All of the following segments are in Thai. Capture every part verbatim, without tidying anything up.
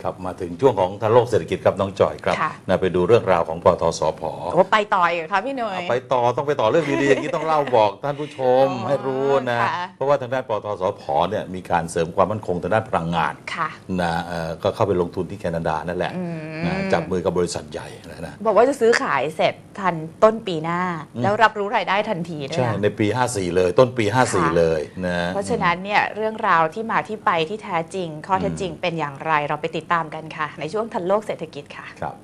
ครับมาถึงช่วงของทันโลกเศรษฐกิจครับน้องจ่อยครับนะไปดูเรื่องราวของปตท.สผ. โอ้ไปต่ออีกครับพี่หนุ่ยไปต่อต้องไปต่อเรื่องดีๆอย่างนี้ต้องเล่าบอกท่านผู้ชมให้รู้นะเพราะว่าทางด้านปตท.สผ.เนี่ยมีการเสริมความมั่นคงทางด้านพลังงานนะก็เข้าไปลงทุนที่แคนาดานั่นแหละนะจับมือกับบริษัทใหญ่นะบอกว่าจะซื้อขายเสร็จทันต้นปีหน้าแล้วรับรู้รายได้ทันทีด้วยใช่ในปีห้าสี่เลยต้นปีห้าสี่เลยนะเพราะฉะนั้นเนี่ยเรื่องราวที่มาที่ไปที่แท้จริงข้อเท็จจริงเป็นอย่างไรเราไปติดตามกันค่ะในช่วงทันโลกเศรษฐกิจค่ะครับ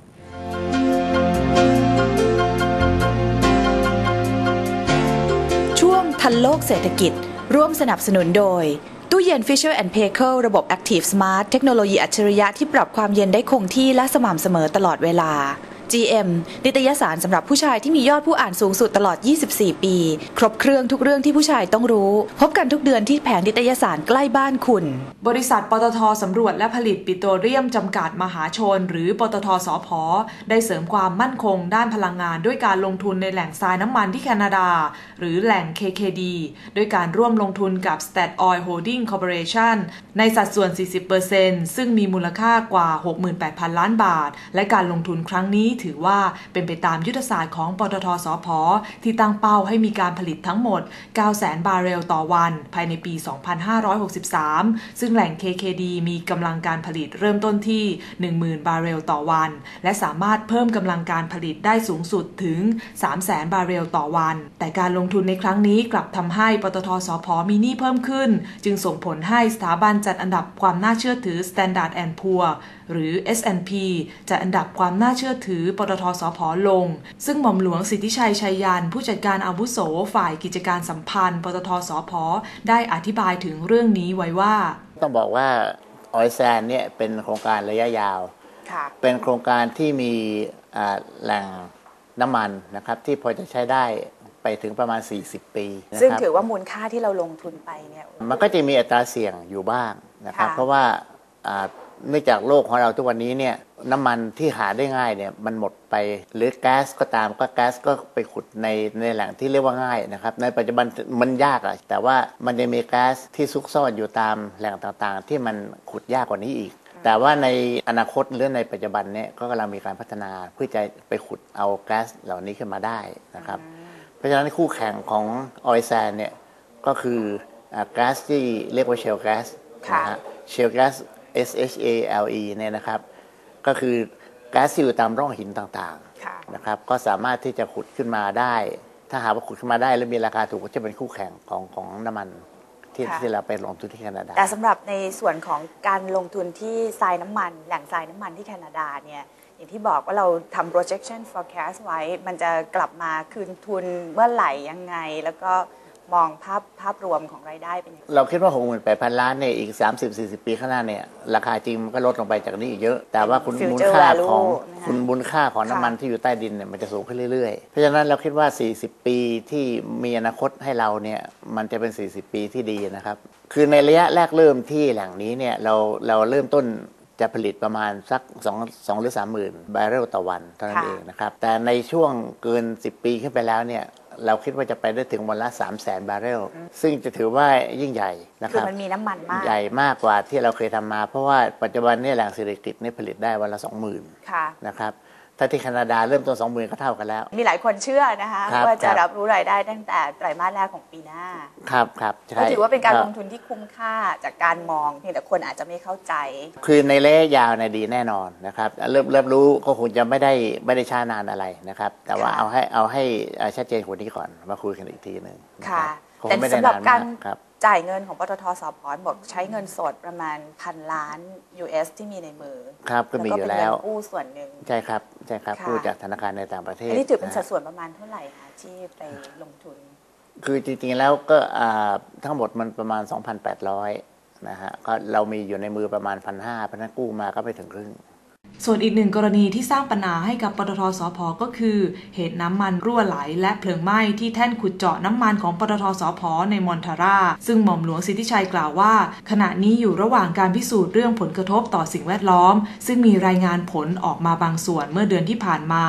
ช่วงทันโลกเศรษฐกิจร่วมสนับสนุนโดยตู้เย็น Fisher แอนด์ Paykel ระบบ Active Smart เทคโนโลยีอัจฉริยะที่ปรับความเย็นได้คงที่และสม่ำเสมอตลอดเวลา จี เอ็ม นิตยสารสำหรับผู้ชายที่มียอดผู้อ่านสูงสุดตลอดยี่สิบสี่ปีครบเครื่องทุกเรื่องที่ผู้ชายต้องรู้พบกันทุกเดือนที่แผงนิตยสารใกล้บ้านคุณบริษัทปตท.สำรวจและผลิตปิโตรเลียมจำกัดมหาชนหรือปตท.สผ.ได้เสริมความมั่นคงด้านพลังงานด้วยการลงทุนในแหล่งทรายน้ำมันที่แคนาดาหรือแหล่ง เค เค ดี ด้วยการร่วมลงทุนกับ Statoil Holding Corporation ในสัดส่วน สี่สิบเปอร์เซ็นต์ ซึ่งมีมูลค่ากว่า หกหมื่นแปดพัน ล้านบาทและการลงทุนครั้งนี้ถือว่าเป็นไปตามยุทธศาสตร์ของปตท.สผ.ที่ตั้งเป้าให้มีการผลิตทั้งหมด เก้าแสน บาร์เรลต่อวันภายในปี สองพันห้าร้อยหกสิบสาม ซึ่งแหล่ง เค เค ดี มีกำลังการผลิตเริ่มต้นที่ หนึ่งหมื่น บาร์เรลต่อวันและสามารถเพิ่มกำลังการผลิตได้สูงสุดถึง สามแสน บาร์เรลต่อวันแต่การลงทุนในครั้งนี้กลับทำให้ปตท.สผ.มีหนี้เพิ่มขึ้นจึงส่งผลให้สถาบันจัดอันดับความน่าเชื่อถือ Standard แอนด์ พูร์ หรือ เอส แอนด์ พี จัดอันดับความน่าเชื่อถือปตท.สผ.ลงซึ่งหม่อมหลวงสิทธิชัยชัยยันผู้จัดการอาวุโสฝ่ายกิจการสัมพันธ์ปตท.สผ.ได้อธิบายถึงเรื่องนี้ไว้ว่าต้องบอกว่าออยแซนเนี่ยเป็นโครงการระยะยาวเป็นโครงการที่มีแหล่งน้ำมันนะครับที่พอจะใช้ได้ไปถึงประมาณสี่สิบปีซึ่งถือว่ามูลค่าที่เราลงทุนไปเนี่ยมันก็จะมีอัตราเสี่ยงอยู่บ้างนะครับเพราะว่าเนื่องจากโลกของเราทุกวันนี้เนี่ยน้ำมันที่หาได้ง่ายเนี่ยมันหมดไปหรือแก๊สก็ตามก็แก๊สก็ไปขุดในในแหล่งที่เรียกว่าง่ายนะครับในปัจจุบันมันยากอะแต่ว่ามันจะมีแก๊สที่ซุกซ่อนอยู่ตามแหล่งต่างๆที่มันขุดยากกว่านี้อีกแต่ว่าในอนาคตหรือในปัจจุบันเนี่ยก็กำลังมีการพัฒนาเพื่อจะไปขุดเอาแก๊สเหล่านี้ขึ้นมาได้นะครับเพราะฉะนั้นคู่แข่งของออยแซนเนี่ยก็คือแก๊สที่เรียกว่าเชลแก๊สนะฮะเชลแก๊สเอส เอช เอ แอล อี เนี่ยนะครับก็คือแก๊สที่อยู่ตามร่องหินต่างๆนะครับก็สามารถที่จะขุดขึ้นมาได้ถ้าหากว่าขุดขึ้นมาได้และมีราคาถูกก็จะเป็นคู่แข่งของของน้ำมันที่ที่เราไปลงทุนที่แคนาดาแต่สำหรับในส่วนของการลงทุนที่ทรายน้ำมันแหล่งทรายน้ำมันที่แคนาดาเนี่ยอย่างที่บอกว่าเราทำ projection forecast ไว้มันจะกลับมาคืนทุนเมื่อไหร่ยังไงแล้วก็มองภาพภาพรวมของรายได้เป็นยังไงเราคิดว่า หกหมื่นแปดพัน ล้านเนี่ยอีก สามสิบถึงสี่สิบ ปีข้างหน้าเนี่ยราคาจริงมันก็ลดลงไปจากนี้อีกเยอะแต่ว่าคุณมูลค่าของคุณมูลค่าของน้ำมันที่อยู่ใต้ดินเนี่ยมันจะสูงขึ้นเรื่อยๆเพราะฉะนั้นเราคิดว่าสี่สิบปีที่มีอนาคตให้เราเนี่ยมันจะเป็นสี่สิบปีที่ดีนะครับคือในระยะแรกเริ่มที่แหล่งนี้เนี่ยเราเราเริ่มต้นจะผลิตประมาณสัก2 2หรือสามหมื่น บาร์เรลต่อวันเท่านั้นเองนะครับแต่ในช่วงเกินสิบปีขึ้นไปแล้วเนี่ยเราคิดว่าจะไปได้ถึงวันละ สามแสน บาร์เรลซึ่งจะถือว่ายิ่งใหญ่นะครับคือมันมีน้ำมันมากใหญ่มากกว่าที่เราเคยทำมาเพราะว่าปัจจุบันนี้แหล่งเศรษฐกิจนี่ผลิตได้วันละ สองหมื่น นะครับถ้าที่แคนาดาเริ่มต้น สองหมื่น ก็เท่ากันแล้วมีหลายคนเชื่อนะคะว่าจะรับรู้รายได้ตั้งแต่ไตรมาสแรกของปีหน้าครับครับก็ถือว่าเป็นการลงทุนที่คุ้มค่าจากการมองเพียงแต่คนอาจจะไม่เข้าใจคือในระยะยาวในดีแน่นอนนะครับเริ่มเริ่มรู้ก็คงจะไม่ได้ไม่ได้ช้านานอะไรนะครับแต่ว่าเอาให้เอาให้ชัดเจนกว่านี้ก่อนมาคุยกันอีกทีนึงค่ะแต่สำหรับการจ่ายเงินของปตท.สผ.บอกใช้เงินสดประมาณพันล้าน ยู เอส ที่มีในมือครับก็มีอยู่แล้วกู้ส่วนหนึ่งใช่ครับใช่ครับกู้จากธนาคารในต่างประเทศอันนี้ถือเป็นสัดส่วนประมาณเท่าไหร่คะที่ไปลงทุนคือจริงๆแล้วก็ทั้งหมดมันประมาณ สองพันแปดร้อย นะฮะก็เรามีอยู่ในมือประมาณ หนึ่งพันห้าร้อย เพราะนั้นกู้มาก็ไปถึงครึ่งส่วนอีกหนึ่งกรณีที่สร้างปัญหาให้กับปตท.สผ.ก็คือเหตุน้ำมันรั่วไหลและเพลิงไหม้ที่แท่นขุดเจาะน้ำมันของปตท.สผ.ในมอนทาราซึ่งหม่อมหลวงสิทธิชัยกล่าวว่าขณะนี้อยู่ระหว่างการพิสูจน์เรื่องผลกระทบต่อสิ่งแวดล้อมซึ่งมีรายงานผลออกมาบางส่วนเมื่อเดือนที่ผ่านมา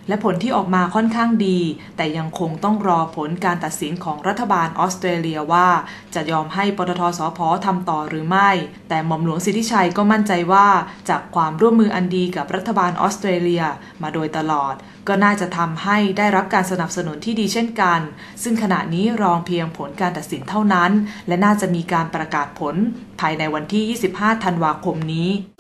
และผลที่ออกมาค่อนข้างดีแต่ยังคงต้องรอผลการตัดสินของรัฐบาลออสเตรเลียว่าจะยอมให้ปตท.สผ.ทำต่อหรือไม่แต่หม่อมหลวงสิทธิชัยก็มั่นใจว่าจากความร่วมมืออันดีกับรัฐบาลออสเตรเลียมาโดยตลอดก็น่าจะทำให้ได้รับการสนับสนุนที่ดีเช่นกันซึ่งขณะนี้รอเพียงผลการตัดสินเท่านั้นและน่าจะมีการประกาศผลภายในวันที่ยี่สิบห้าธันวาคมนี้